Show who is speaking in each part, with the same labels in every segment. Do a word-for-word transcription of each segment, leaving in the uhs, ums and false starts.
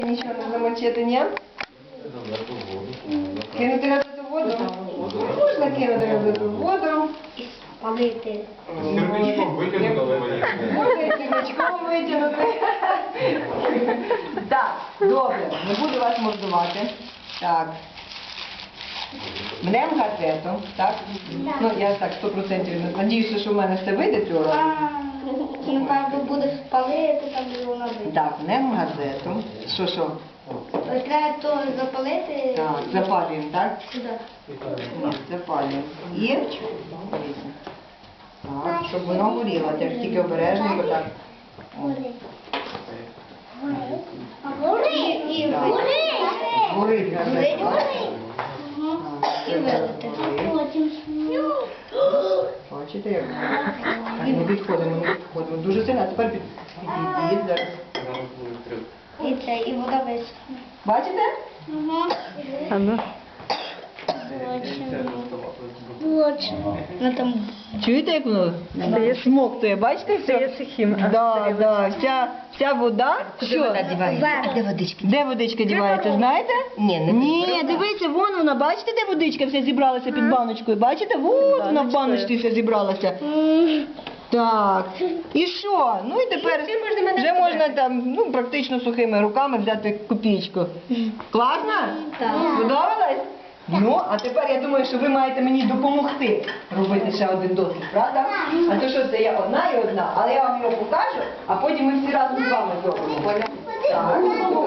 Speaker 1: Нічого не замочити, ні? Кинути разу воду? Можна кинути разу воду.
Speaker 2: І спалити.
Speaker 3: Сірничком витягнути.
Speaker 1: Можна і сірничком витягнути. Так, добре, не буду вас мордувати. Так. Мнемо газету, так? Ну, я так сто відсотків надіюся, що в мене все вийде цього разу.
Speaker 2: Напевно, буде спалити, там і вона вийде.
Speaker 1: Так, мнемо газету. Що, що?
Speaker 2: Треба то запалити.
Speaker 1: Так, запалюємо, так?
Speaker 2: Сюди.
Speaker 1: Запалюємо. І так, щоб воно горіло. Теж тільки обережненько так. О.
Speaker 2: Гори і
Speaker 1: Так.
Speaker 2: гори.
Speaker 1: Горить газета.
Speaker 2: І вилити. Потім.
Speaker 1: Бачите, як? Так, не відходимо, не відходимо. Дуже сильно. А тепер під- підійдіть зараз.
Speaker 2: І це, і вода висохне.
Speaker 1: Бачите?
Speaker 2: А ну. Ну там.
Speaker 1: Чуєте, як воно смоктує? Бачите? Це є сухим. Да, да. Вся, вся вода. Що?
Speaker 2: Де
Speaker 1: водичка? Де водичка дівається, знаєте? Ні, не Ні, дивіться, вон вона, бачите, де водичка вся зібралася під баночкою? Бачите? Вот вона в баночці вся зібралася. Так. І що? Ну і тепер вже можна там, ну, практично сухими руками взяти копійку. Класно?
Speaker 2: Так.
Speaker 1: Подобалось? Ну, а тепер я думаю, що ви маєте мені допомогти робити ще один дослід, правда? А то що це я одна і одна, але я вам його покажу, а потім ми всі разом з вами зробимо. Поняли? Так.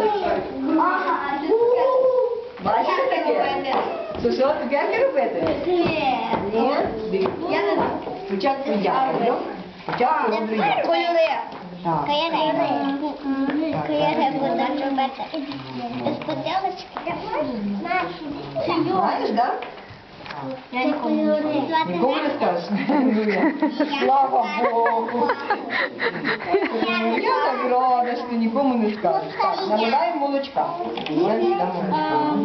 Speaker 1: Бачите таке? Що, що, цукерки робити? Ні? Дивіться.
Speaker 2: Я не знаю.
Speaker 1: Спочатку я роблю. Спочатку роблю я.
Speaker 2: Кольори.
Speaker 1: Так.
Speaker 2: Кольори будуть робити. Сподобалось?
Speaker 1: Знаєш, так?
Speaker 2: Я нікому не знаю.
Speaker 1: Нікому не скажеш? Слава Богу. Я так рада, що ти нікому не скажеш. Так, наливаємо молочка. Наливаємо молочка.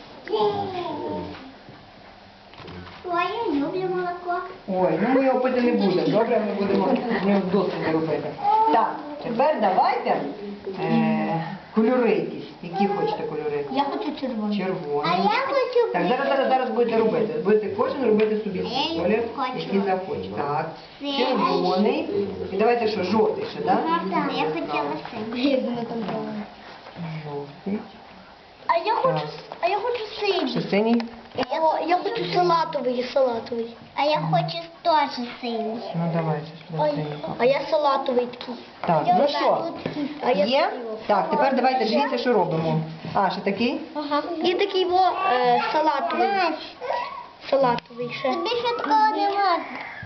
Speaker 2: Ой, я люблю молоко.
Speaker 1: Ой, ну ми його пити не будемо. Добре, ми будемо з нього досліди робити. Так, тепер давайте е, кольори якісь. Які хочете кольори?
Speaker 2: Я хочу червоний.
Speaker 1: Червоний.
Speaker 2: А я хочу
Speaker 1: Так, зараз, зараз, зараз будете робити. Будете кожен робити собі
Speaker 2: А я
Speaker 1: колір,
Speaker 2: хочу.
Speaker 1: який захоче. Так,
Speaker 2: Це-
Speaker 1: червоний. І давайте що, жовтий ще, так?
Speaker 2: Так, я хотіла синій. Я думаю, там правильно.
Speaker 1: Жовтий.
Speaker 2: А я хочу,
Speaker 1: Так.
Speaker 2: а я хочу
Speaker 1: Ще
Speaker 2: синій.
Speaker 1: синій?
Speaker 2: Я, я хочу салатовий, салатовий. А я хочу теж синій.
Speaker 1: Ну давайте сюди синій.
Speaker 2: А я салатовий такий.
Speaker 1: Так, ну що,
Speaker 2: А я
Speaker 1: є?
Speaker 2: такий.
Speaker 1: Так, тепер давайте дивіться, що робимо. А, ще такий?
Speaker 2: Ага. І такий во е, салатовий. Салатовий ще. Тобі ще такого не можна.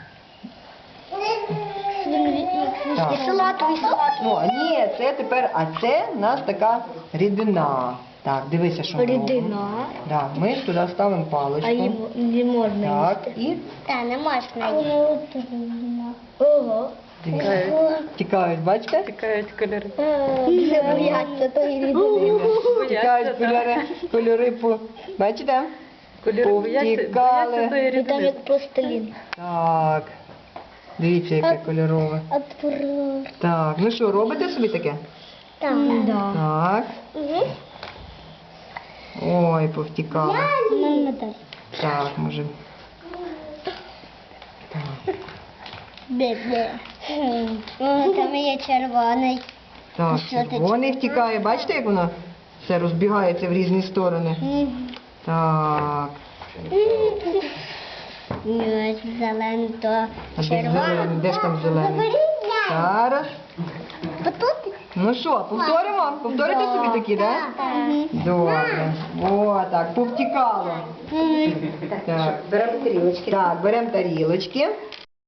Speaker 1: Так.
Speaker 2: І салатовий, салатовий.
Speaker 1: Ну, а ні, це тепер, а це в нас така рідина. Так, дивися, що ми робимо.
Speaker 2: Рідина.
Speaker 1: Так, ми туди ставимо
Speaker 2: А
Speaker 1: паличку.
Speaker 2: їм не можна
Speaker 1: Так,
Speaker 2: їсти.
Speaker 1: і
Speaker 2: Та, не можна їсти. Ого.
Speaker 1: дивіться. Тікають, бачите?
Speaker 4: Тікають кольори.
Speaker 2: Не бояться тої рідини.
Speaker 1: Тікають кольори, кольори по... Бачите?
Speaker 4: Кольори бояться,
Speaker 1: Повтікали.
Speaker 4: бояться тої
Speaker 2: І там
Speaker 4: рідини.
Speaker 2: як пластилін.
Speaker 1: Так. Дивіться, яке кольорове.
Speaker 2: Отпро.
Speaker 1: Так, ну що, робите собі таке?
Speaker 2: Там. Да.
Speaker 1: Так.
Speaker 2: Угу.
Speaker 1: Ой, повтікали.
Speaker 2: Нам медаль.
Speaker 1: Так, може. Так.
Speaker 2: Бе-бе. О, там є червоний.
Speaker 1: Так,
Speaker 2: Що ти
Speaker 1: червоний втікає. Бачите, як воно все розбігається в різні сторони? Так.
Speaker 2: Ні, зелений, то
Speaker 1: А де
Speaker 2: червоний.
Speaker 1: зелений? Де ж там зелений? Зараз.
Speaker 2: Отут?
Speaker 1: Ну що, повторимо? Повторите собі такі, так? Добре. О, так, повтікало. Так.
Speaker 2: Беремо тарілочки.
Speaker 1: Так, беремо тарілочки.